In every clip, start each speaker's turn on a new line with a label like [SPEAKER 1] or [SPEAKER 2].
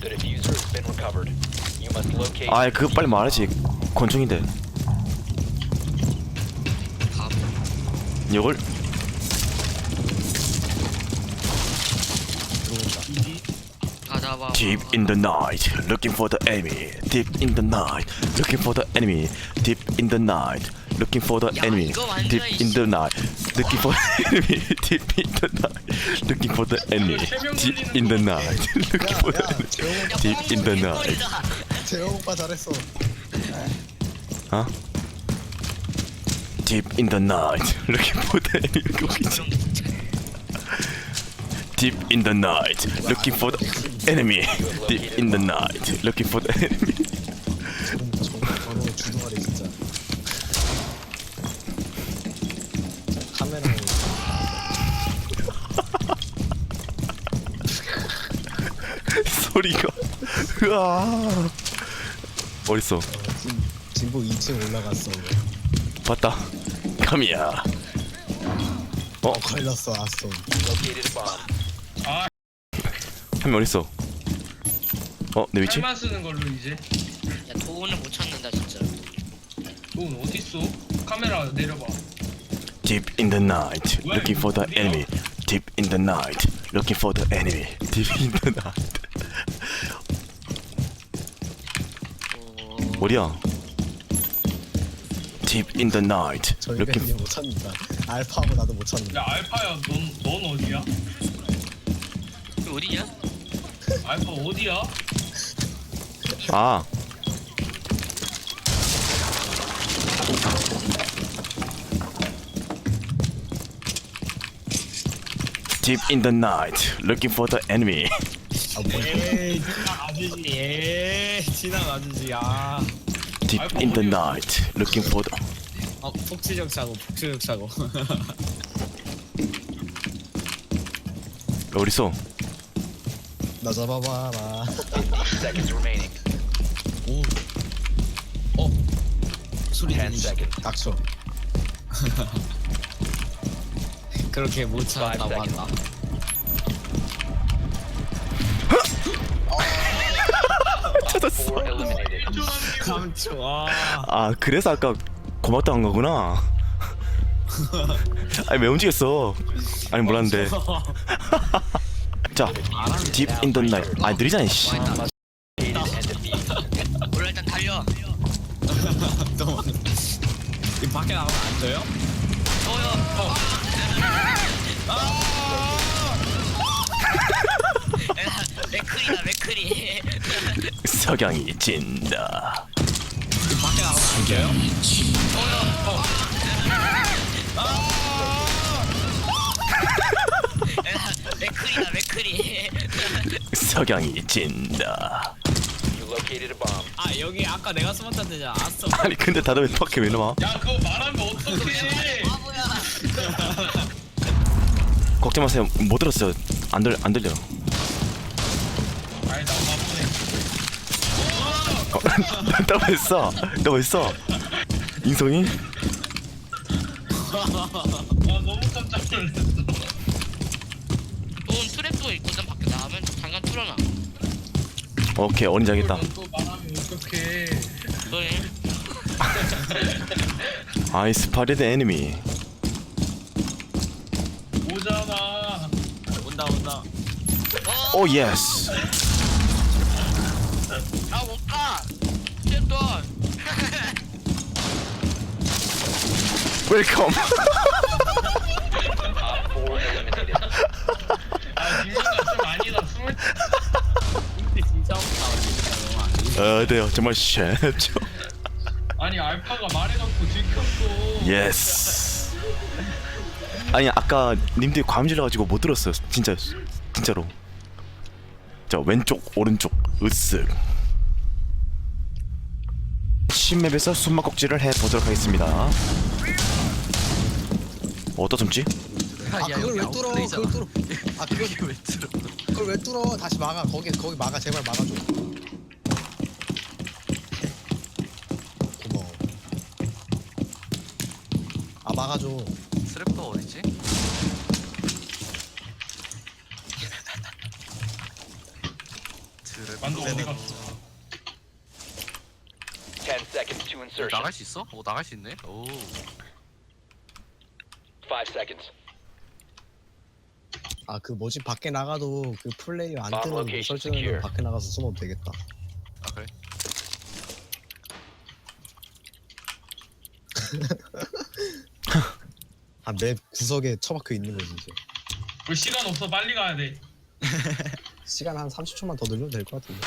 [SPEAKER 1] The diffuser has been recovered. You must locate.
[SPEAKER 2] 아이 그거 빨리 말하지. 권총인데. 이걸
[SPEAKER 3] 가자봐.
[SPEAKER 2] Deep in the night, looking for the enemy. Deep in the night, looking for the enemy. Deep in the night, looking for the enemy. Deep in the night, looking for the enemy. Deep in the night, looking for the enemy. Deep in the night, looking for the enemy. Deep in the night.
[SPEAKER 4] 재영 오빠 잘했어.
[SPEAKER 2] 어? Deep in the night, looking for the enemy. Deep in the night, looking for the enemy. Deep in the night, looking for the enemy.
[SPEAKER 4] 저는 주둥아리 진짜. 카메라에
[SPEAKER 2] 소리가 으아 어딨어?
[SPEAKER 4] 진보 2층 올라갔어.
[SPEAKER 2] 봤다. 카미야.
[SPEAKER 4] 걸렸어 아스톤.
[SPEAKER 1] Located a bomb.
[SPEAKER 2] 한 명 어딨어? 내 위치?
[SPEAKER 5] 칼만 쓰는 걸로 이제.
[SPEAKER 3] 야 돈을 못 찾는다 진짜.
[SPEAKER 5] 돈 어딨어? 카메라 내려봐.
[SPEAKER 2] Deep in the night, looking for the enemy. Deep in the night, looking for the enemy. Deep in the night. 어디야? Deep in the night,
[SPEAKER 4] 저희
[SPEAKER 2] looking.
[SPEAKER 4] 밴이 못 찾는다. 알파하고 나도 못 찾는다.
[SPEAKER 5] 야 알파야 넌 어디야?
[SPEAKER 3] 이거 어디냐?
[SPEAKER 5] 알파 어디야?
[SPEAKER 2] 아. Deep in the night, looking for the enemy.
[SPEAKER 4] 에이 지나가주지. 에이 지나가주지. 아.
[SPEAKER 2] Deep in the night, looking for the.
[SPEAKER 4] 폭주력 사고.
[SPEAKER 2] 어딨어?
[SPEAKER 4] 나 잡아봐라.
[SPEAKER 1] 15 seconds remaining.
[SPEAKER 4] 소리
[SPEAKER 1] 10 seconds.
[SPEAKER 4] 닥쳐. 그렇게 못 찾았다고
[SPEAKER 1] 5 seconds.
[SPEAKER 4] 한다.
[SPEAKER 2] 찾았어.
[SPEAKER 1] 4 eliminated.
[SPEAKER 4] 감초.
[SPEAKER 2] 아 그래서 아까 고맙다 한 거구나. 아니 왜 움직였어? 아니 몰랐는데. 자, Deep in the night. 아 느리잖아 씨.
[SPEAKER 1] Located and defused.
[SPEAKER 3] 몰라 일단 달려.
[SPEAKER 4] 이 밖에 나가면 안 돼요?
[SPEAKER 3] 맥크리.
[SPEAKER 2] 석양이 진다.
[SPEAKER 4] 이 밖에 나가면 안 돼요?
[SPEAKER 3] 맥크리.
[SPEAKER 2] 석양이 진다.
[SPEAKER 1] You located a bomb.
[SPEAKER 4] 아 여기 아까 내가 숨었던 데잖아. 아스톤.
[SPEAKER 2] 아니 근데 다들 왜 밖에 왜 나와?
[SPEAKER 5] 야 그거 말하면 어떡해?
[SPEAKER 2] 걱정 마세요. 못 들었어요. 안 들려.
[SPEAKER 5] 아니 나 바보네.
[SPEAKER 2] 너 했어? 너 했어? 인성이?
[SPEAKER 5] 아 너무 깜짝 놀랐어.
[SPEAKER 3] 돈 트랩도 있거든. 밖에 나가면 잠깐 뚫어놔.
[SPEAKER 2] 오케이 어린 자겠다.
[SPEAKER 5] 또 말하면 어떡해?
[SPEAKER 3] 너네.
[SPEAKER 2] I spotted the enemy.
[SPEAKER 5] 오잖아.
[SPEAKER 4] 온다.
[SPEAKER 2] Oh yes.
[SPEAKER 3] 못 가. 쟤돈.
[SPEAKER 2] Welcome.
[SPEAKER 1] Op 4 eliminated.
[SPEAKER 5] 아 딜러가 좀 아니다. 20.
[SPEAKER 4] 진짜 없다.
[SPEAKER 2] 네 정말 쉐죠.
[SPEAKER 5] 아니 알파가 말해놓고 들켰어.
[SPEAKER 2] Yes. 아니 아까 님들이 과음 질러가지고 못 들었어요. 진짜로. 자 왼쪽 오른쪽 으쓱. 신맵에서 숨막꼭질을 해보도록 하겠습니다. 어디다 숨지?
[SPEAKER 4] 그걸 왜 뚫어? 그걸 뚫어. 그걸 왜 뚫어? 다시 막아. 거기 막아. 제발 막아줘. 고마워. 막아줘.
[SPEAKER 6] 스랩도 어디지?
[SPEAKER 5] 만두 어디 갔어?
[SPEAKER 1] 10 seconds to insertion.
[SPEAKER 6] 나갈 수 있어? 오 나갈 수 있네. 오.
[SPEAKER 1] 5 seconds.
[SPEAKER 4] 아 그 뭐지 밖에 나가도 그 플레이어 안
[SPEAKER 1] Bomb
[SPEAKER 4] 뜨는
[SPEAKER 1] location
[SPEAKER 4] 설정으로
[SPEAKER 1] secure.
[SPEAKER 4] 밖에 나가서 숨어도 되겠다.
[SPEAKER 6] 아 그래?
[SPEAKER 4] 아 맵 구석에 처박혀 있는 거지 이제.
[SPEAKER 5] 우리 시간 없어 빨리 가야 돼.
[SPEAKER 4] 시간 한 30초만 더 늘려도 될 것 같은데.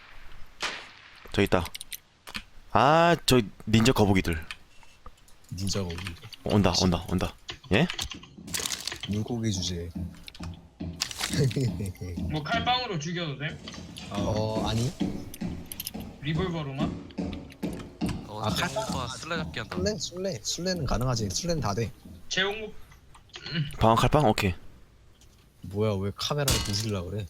[SPEAKER 2] 저 있다. 아, 저 닌자 거북이들.
[SPEAKER 4] 닌자가 오기.
[SPEAKER 2] 온다, 온다, 온다. 예?
[SPEAKER 4] 물고기 주제.
[SPEAKER 5] 뭐 칼빵으로 죽여도 돼?
[SPEAKER 4] 아니
[SPEAKER 5] 리볼버로만?
[SPEAKER 6] 어
[SPEAKER 4] 아,
[SPEAKER 6] 오빠 슬래 잡기 한다.
[SPEAKER 4] 술래는 가능하지. 술래는 다 돼.
[SPEAKER 5] 제홍목
[SPEAKER 2] 방어 칼빵? 오케이.
[SPEAKER 4] 뭐야 왜 카메라를 부수려 그래?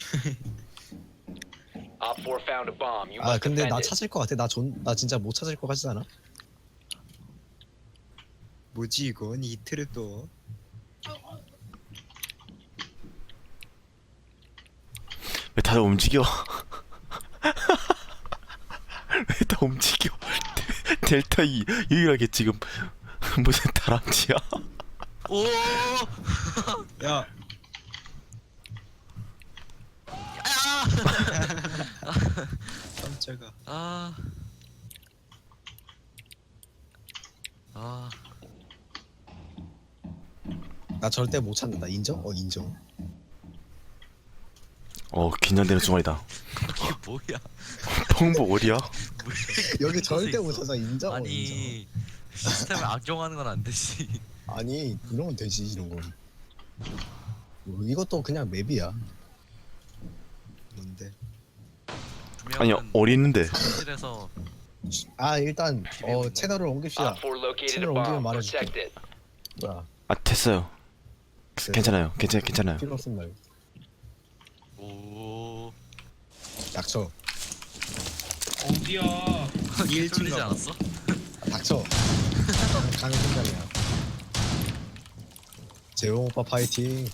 [SPEAKER 1] Op 4 found a bomb. You
[SPEAKER 4] 아
[SPEAKER 1] must
[SPEAKER 4] 근데 나
[SPEAKER 1] defend it.
[SPEAKER 4] 찾을 것 같아. 나 진짜 못 찾을 것 같지 않아?
[SPEAKER 7] 뭐지 이건 이 트랩도
[SPEAKER 2] 왜 다들 움직여? 왜 다 움직여? 델타 2 유일하게 지금 무슨 다람쥐야?
[SPEAKER 6] 오.
[SPEAKER 7] 야 깜짝아
[SPEAKER 6] 아. 아.
[SPEAKER 4] 나 절대 못 찾는다. 인정? 인정.
[SPEAKER 2] 긴장되는 순간이다.
[SPEAKER 6] 이게 뭐야?
[SPEAKER 2] 통보 어디야?
[SPEAKER 4] 여기
[SPEAKER 6] 무슨
[SPEAKER 4] 절대
[SPEAKER 6] 있어?
[SPEAKER 4] 못 찾아. 인정? 인정.
[SPEAKER 6] 아니 시스템을 악용하는 건 안 되지.
[SPEAKER 4] 아니 이러면 되지 이런 건. 이것도 그냥 맵이야.
[SPEAKER 7] 뭔데
[SPEAKER 2] 아니, 어디 있는데?
[SPEAKER 6] 실에서
[SPEAKER 4] 아 일단
[SPEAKER 6] 비밀번호.
[SPEAKER 4] 채널을 옮깁시다.
[SPEAKER 1] Op 4 located a
[SPEAKER 4] 채널 옮기면
[SPEAKER 1] bomb.
[SPEAKER 4] 말해줄게.
[SPEAKER 1] Protect it.
[SPEAKER 4] 뭐야?
[SPEAKER 2] 아, 됐어요. 괜찮아요. 괜찮아요.
[SPEAKER 4] 필요 없음 말고.
[SPEAKER 6] 오.
[SPEAKER 4] 닥쳐.
[SPEAKER 5] 어디야?
[SPEAKER 6] 이게 뚫리지 않았어?
[SPEAKER 4] 닥쳐. 가는 순간이야. 재홍 오빠 파이팅.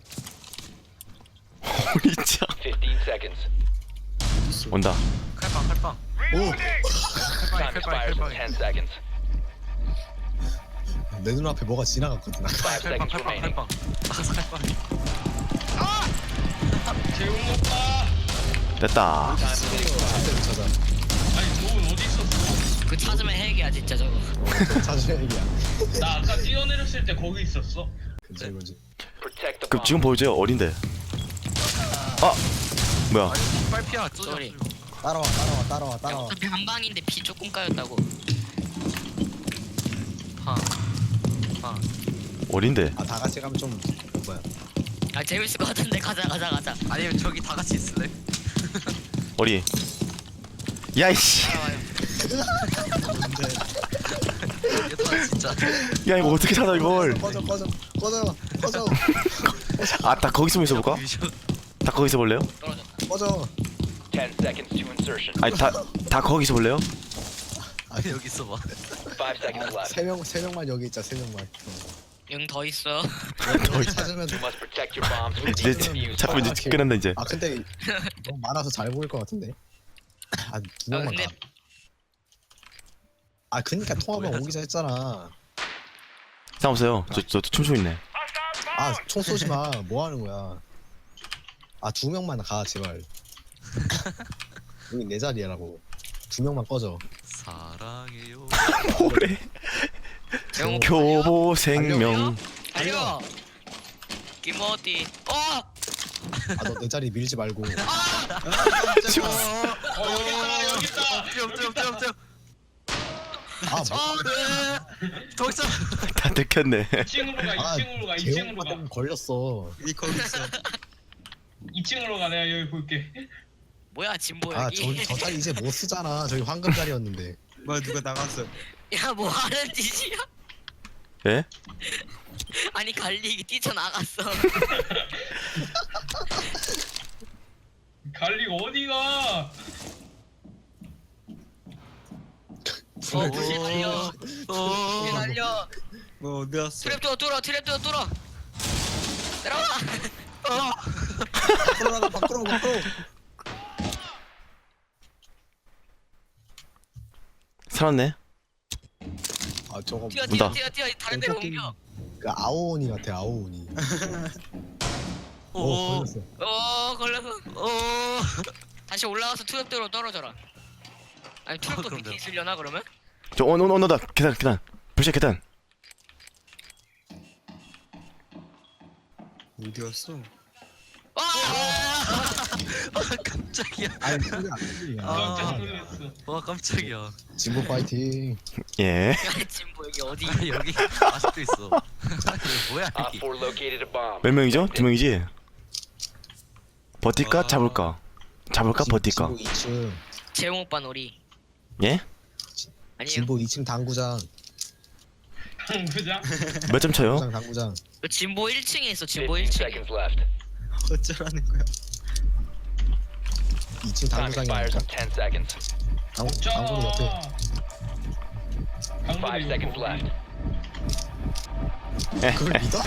[SPEAKER 2] 진짜
[SPEAKER 1] 15 seconds.
[SPEAKER 2] 온다.
[SPEAKER 6] 칼빵.
[SPEAKER 4] 오!
[SPEAKER 1] Time
[SPEAKER 6] 칼빵.
[SPEAKER 1] expires in 10 seconds.
[SPEAKER 4] 내 눈앞에 뭐가 지나갔거든.
[SPEAKER 1] 5 seconds remaining.
[SPEAKER 6] 칼빵. 칼빵.
[SPEAKER 5] 제홍목 봐.
[SPEAKER 2] 됐다.
[SPEAKER 4] 절대 못 찾아.
[SPEAKER 5] 아니 너 어디 있었어?
[SPEAKER 3] 그 찾으면 핵이야 진짜 저거.
[SPEAKER 4] 찾으면 얘기야.
[SPEAKER 5] 나 아까 뛰어내렸을 때 거기 있었어.
[SPEAKER 4] 그치 그치.
[SPEAKER 1] Protect the
[SPEAKER 2] 그럼
[SPEAKER 1] bomb.
[SPEAKER 2] 지금 보여줘요. 어딘데? 아, 뭐야?
[SPEAKER 6] 빨피야.
[SPEAKER 3] 쏘리.
[SPEAKER 4] 따라와.
[SPEAKER 3] 어차피 한 방인데 피 조금 까였다고.
[SPEAKER 6] 팡.
[SPEAKER 2] 어딘데?
[SPEAKER 4] 아 다 같이 가면 좀 뭐야?
[SPEAKER 3] 아 재밌을 것 같은데 가자.
[SPEAKER 6] 아니면 저기 다 같이 있을래?
[SPEAKER 2] 어디? 야이씨.
[SPEAKER 3] 따라와요.
[SPEAKER 6] 이게 다 진짜.
[SPEAKER 2] 야, 이거 어떻게 찾아 이걸?
[SPEAKER 4] 꺼져.
[SPEAKER 2] 아, 딱 거기서 있어볼까? 다 거기서 볼래요?
[SPEAKER 3] 떨어졌다.
[SPEAKER 4] 꺼져.
[SPEAKER 1] 10 seconds to insertion.
[SPEAKER 2] 아니, 다 거기서 볼래요?
[SPEAKER 4] 아니
[SPEAKER 6] 여기 있어봐.
[SPEAKER 1] 5 seconds left.
[SPEAKER 4] 세 명만 여기 있자. 세 명만.
[SPEAKER 3] 영 더 있어.
[SPEAKER 4] 여기 찾으면
[SPEAKER 1] You must protect your bombs from
[SPEAKER 2] 이제
[SPEAKER 1] being defused.
[SPEAKER 2] 자꾸 이제 끝난다 이제.
[SPEAKER 4] 아 근데 너무 많아서 잘 보일 것 같은데. 아 두 명만
[SPEAKER 3] 근데-
[SPEAKER 4] 가. 아 그니까 통화만
[SPEAKER 6] 뭐야,
[SPEAKER 4] 오기자 했잖아.
[SPEAKER 2] 상관없어요. 저 춤추고 있네.
[SPEAKER 4] 아 총 쏘지 마. 뭐 하는 거야? 아 두 명만 가 제발. 여기 내 자리라고. 두 명만 꺼져.
[SPEAKER 6] 사랑해요.
[SPEAKER 2] 뭐래?
[SPEAKER 3] 재홍
[SPEAKER 2] 교보 생명.
[SPEAKER 3] 달려. 김어디.
[SPEAKER 4] 아 너 내 자리 밀지 말고.
[SPEAKER 5] 여기 있다.
[SPEAKER 6] 뿅.
[SPEAKER 4] 아
[SPEAKER 6] 더 있어.
[SPEAKER 2] 다 들켰네.
[SPEAKER 5] 2층으로 가.
[SPEAKER 4] 재홍
[SPEAKER 5] 2층으로
[SPEAKER 4] 오빠
[SPEAKER 5] 가.
[SPEAKER 4] 때문에 걸렸어.
[SPEAKER 7] 이 거기 있어
[SPEAKER 5] 2층으로 가. 내가 여기 볼게.
[SPEAKER 3] 뭐야 진보
[SPEAKER 4] 아
[SPEAKER 3] 여기.
[SPEAKER 4] 저 자리 이제 못 쓰잖아. 저기 황금 자리였는데.
[SPEAKER 7] 뭐야 누가 나갔어
[SPEAKER 3] 야 뭐 하는 짓이야?
[SPEAKER 2] 예?
[SPEAKER 3] 아니 갈리기 뛰쳐나갔어.
[SPEAKER 5] 갈리가 어디가?
[SPEAKER 3] 불이 날려. 불이 날려.
[SPEAKER 7] 뭐 어디 갔어
[SPEAKER 3] 트랩도 뚫어. 내려와.
[SPEAKER 4] 밖으로 나가 밖으로.
[SPEAKER 2] 살았네.
[SPEAKER 4] 아 저거
[SPEAKER 3] 뛰어
[SPEAKER 2] 온다.
[SPEAKER 3] 다른 데로 옮겨.
[SPEAKER 4] 그 아오니 같아 아오니.
[SPEAKER 6] 오.
[SPEAKER 4] 걸렸어.
[SPEAKER 3] 걸려서.
[SPEAKER 6] 오.
[SPEAKER 3] 다시 올라가서 투격대로 떨어져라. 아니 투격도
[SPEAKER 6] 그럼
[SPEAKER 3] 밑에
[SPEAKER 6] 돼요.
[SPEAKER 3] 있으려나 그러면?
[SPEAKER 2] 저 온다. 계단. 불씨 계단.
[SPEAKER 7] 어디 갔어?
[SPEAKER 6] 깜짝이야.
[SPEAKER 4] 아니 소리 안 들리냐.
[SPEAKER 5] 깜짝 놀랐어.
[SPEAKER 6] 와 깜짝이야.
[SPEAKER 4] 진보 파이팅.
[SPEAKER 2] 예.
[SPEAKER 3] 진보 여기 어디?
[SPEAKER 6] 아니 여기 아직도 있어. 아니 뭐야
[SPEAKER 1] Op
[SPEAKER 6] 여기.
[SPEAKER 1] 4 located a bomb.
[SPEAKER 2] 몇 명이죠? 2명이지. 버틸까?
[SPEAKER 6] 아.
[SPEAKER 2] 잡을까? 버틸까?
[SPEAKER 4] 진보 2층.
[SPEAKER 3] 재홍 오빠 놀이.
[SPEAKER 2] 예?
[SPEAKER 3] 아니에요.
[SPEAKER 4] 진보 2층 당구장.
[SPEAKER 5] 당구장?
[SPEAKER 2] 몇 점 쳐요?
[SPEAKER 4] 당구장.
[SPEAKER 3] 그 진보 1층에 있어. 진보
[SPEAKER 1] 15
[SPEAKER 3] 1층에.
[SPEAKER 1] seconds left.
[SPEAKER 7] 어쩌라는 거야?
[SPEAKER 4] 2층
[SPEAKER 1] Time expires
[SPEAKER 4] 당구장이니까.
[SPEAKER 1] in 10 seconds.
[SPEAKER 4] 당구로 옆에.
[SPEAKER 1] 5 seconds left.
[SPEAKER 4] 그걸 믿어?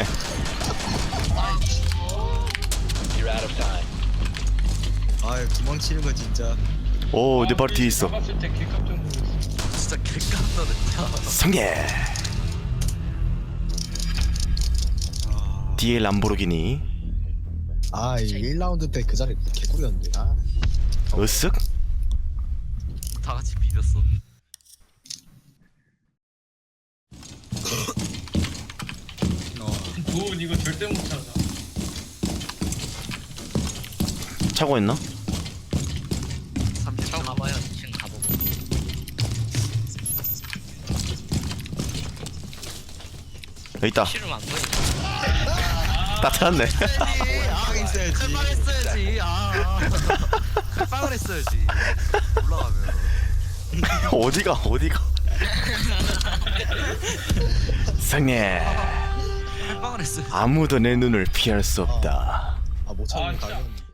[SPEAKER 1] You're out of time.
[SPEAKER 7] 아 도망치는 거 진짜.
[SPEAKER 2] 오, 내 바로 뒤에 있어.
[SPEAKER 5] 잡았을 때 개깜짝 놀랐어.
[SPEAKER 6] 진짜 개깜놀했다.
[SPEAKER 2] 성예.
[SPEAKER 7] 아,
[SPEAKER 2] 뒤에 람보르기니.
[SPEAKER 4] 아, 이 1라운드 때 그 자리 개꿀이었는데. 아,
[SPEAKER 2] 으쓱.
[SPEAKER 6] 다 같이 비볐어.
[SPEAKER 5] 도훈 이거 절대 못 찾아.
[SPEAKER 2] 차고 했나?
[SPEAKER 6] 30초.
[SPEAKER 3] 형 가봐요. 2층 가보고.
[SPEAKER 2] 여기 있다.
[SPEAKER 3] 실은 안 보여.
[SPEAKER 2] 다 찾았네.
[SPEAKER 7] 빵 있어야지.
[SPEAKER 6] 칼빵 했어야지. 칼빵을 했어야지. 올라가면.
[SPEAKER 2] 어디가? 성예.
[SPEAKER 6] 칼빵을 했어야지.
[SPEAKER 2] 아무도 내 눈을 피할 수 없다.
[SPEAKER 4] 못 찾는
[SPEAKER 5] 아,
[SPEAKER 4] 거
[SPEAKER 5] 진짜.
[SPEAKER 4] 가면.